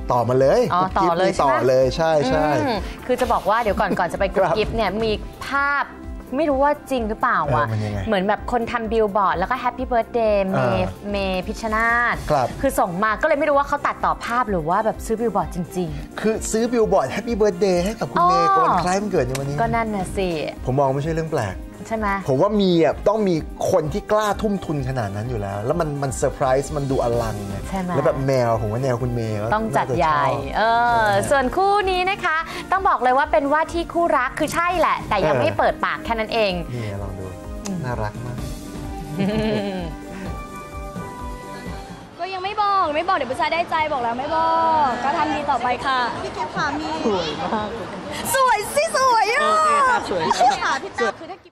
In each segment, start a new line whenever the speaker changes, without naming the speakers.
ต่อมาเลย
ต่อเลย
ต่อเลยใช่
คือจะบอกว่าเดี๋ยวก่อนจะไปกุ๊บกิ๊บเนี่ยมีภาพไม่รู้ว่าจริงหรือเปล่าอ่ะเหมือนแบบคนทำบิลบอร์ดแล้วก็แฮปปี้เบิร์ธเดย์เมย์พิชชนาธิ์คือส่งมาก็เลยไม่รู้ว่าเขาตัดต่อภาพหรือว่าแบบซื้อบิลบอร์ดจริงๆ
คือซื้อบิลบอร์ดแฮปปี้เบิร์ธเดย์ให้กับคุณเมย์วันคล้ายวันเกิดในวันนี้
ก็นั่นน่ะสิ
ผมมองไม่ใช่เรื่องแปลก
ใช่ไหม
ผมว่ามีต้องมีคนที่กล้าทุ่มทุนขนาดนั้นอยู่แล้วแล้วมันเซอร์ไพรส์มันดูอลังไงแล้วแบบแมวผมว่าแนวคุณเมย์
ต้องจัดใหญ่ส่วนคู่นี้นะคะต้องบอกเลยว่าเป็นว่าที่คู่รักคือใช่แหละแต่ยังไม่เปิดปากแค่นั้นเอง
นี่ลองดูน่ารักมาก
ก็ยังไม่บอกเดี๋ยวผู้ชายได้ใจบอกแล้วไม่บอกก็ทำดีต่อไปค่ะพี่กิ๊ฟค่ะมี
สวยมาก
สวยสิสวยอ่ะ
โอเคค่ะสวย
ค่ะพี่ตาคือถ้า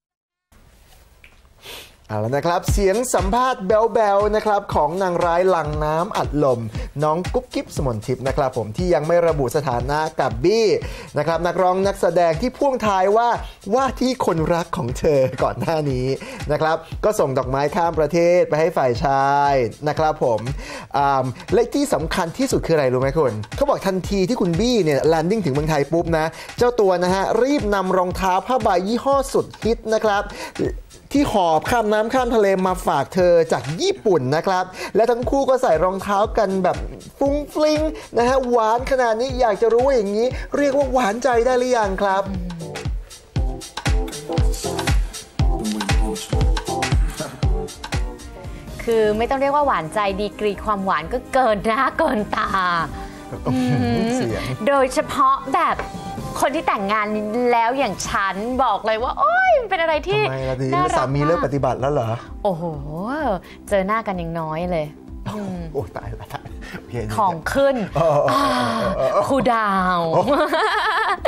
เอาละนะครับเสียงสัมภาษณ์แบ๊วๆนะครับของนางร้ายหลังน้ำอัดลมน้องกุ๊บกิ๊บสมนทิพย์นะครับผมที่ยังไม่ระบุสถานะกับบี้นะครับนักร้องนักแสดงที่พ่วงท้ายว่าที่คนรักของเธอก่อนหน้านี้นะครับก็ส่งดอกไม้ข้ามประเทศไปให้ฝ่ายชายนะครับผมและที่สำคัญที่สุดคืออะไรรู้ไหมคุณเขาบอกทันทีที่คุณบี้เนี่ยแลนดิ้งถึงเมืองไทยปุ๊บนะเจ้าตัวนะฮะรีบนำรองเท้าผ้าใบยี่ห้อสุดฮิตนะครับที่หอบข้ามน้ำข้ามทะเลมาฝากเธอจากญี่ปุ่นนะครับและทั้งคู่ก็ใส่รองเท้ากันแบบฟุ้งฟลิงนะฮะหวานขนาดนี้อยากจะรู้ว่าอย่างนี้เรียกว่าหวานใจได้หรือยังครับ
คือไม่ต้องเรียกว่าหวานใจดีกรีความหวานก็เกินหน้าเกินตาโดยเฉพาะแบบคนที่แต่งงานแล้วอย่างฉันบอกเลยว่าโอ๊ยเป็นอะไรที่
น่ารักมากสามีเลิกปฏิบัติแล้วเหรอ
โอ้โหเจอหน้ากันยังน้อยเลย
โอ้ตายละ
ของขึ้นคูดาว